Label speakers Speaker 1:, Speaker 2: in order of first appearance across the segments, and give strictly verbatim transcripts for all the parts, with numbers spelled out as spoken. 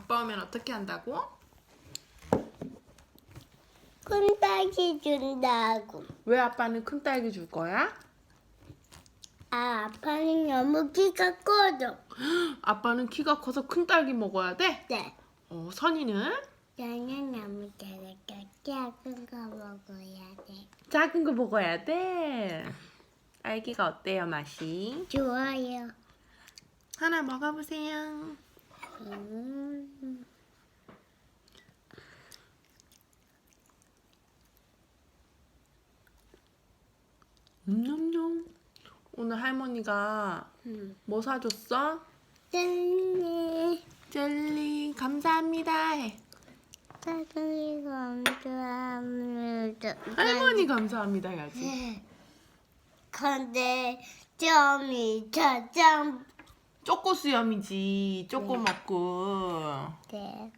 Speaker 1: 아빠 오면 어떻게 한다고?
Speaker 2: 큰 딸기 준다고.
Speaker 1: 왜 아빠는 큰 딸기 줄 거야?
Speaker 2: 아, 아빠는 너무 키가 커져.
Speaker 1: 아빠는 키가 커서 큰 딸기 먹어야 돼?
Speaker 2: 네.
Speaker 1: 어, 선이는?
Speaker 2: 나는 너무 잘할게. 작은 거 먹어야 돼.
Speaker 1: 작은 거 먹어야 돼. 딸기가 어때요, 맛이?
Speaker 2: 좋아요.
Speaker 1: 하나 먹어보세요.
Speaker 2: 음.
Speaker 1: 음냠냠. 오늘 할머니가
Speaker 2: 음.
Speaker 1: 뭐 사줬어?
Speaker 2: 짠.
Speaker 1: 젤리 감사합니다 해.
Speaker 2: 사랑이 감사합니다.
Speaker 1: 할머니 감사합니다 해야지.
Speaker 2: 근데 점이 저점.
Speaker 1: 쪼꼬 수염이지. 쪼꼬 먹고.
Speaker 2: 네.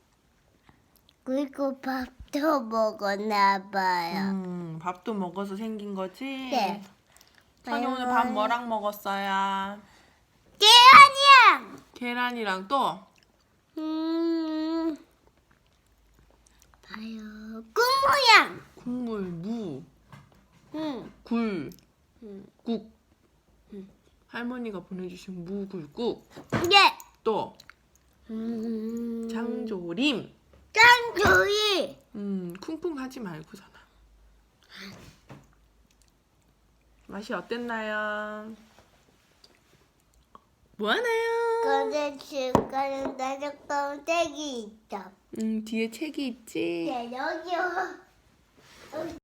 Speaker 2: 그리고 밥도 먹었나 봐요.
Speaker 1: 음, 밥도 먹어서 생긴 거지?
Speaker 2: 네.
Speaker 1: 선이 오늘 밥 뭐랑 먹었어요?
Speaker 2: 계란이야.
Speaker 1: 계란이랑 또?
Speaker 2: 음. 봐요. 꿈 모양.
Speaker 1: 국물, 무,
Speaker 2: 응.
Speaker 1: 굴,
Speaker 2: 응.
Speaker 1: 국.
Speaker 2: 응.
Speaker 1: 할머니가 보내주신 무굴국.
Speaker 2: 예.
Speaker 1: 또
Speaker 2: 음.
Speaker 1: 장조림.
Speaker 2: 짠조이.
Speaker 1: 음, 쿵쿵 하지 말고잖아. 맛이 어땠나요? 뭐하나요?
Speaker 2: 근데 지금까지 나줬던 떼기 있어.
Speaker 1: 음, 뒤에 책이 있지?
Speaker 2: 네, 여기요.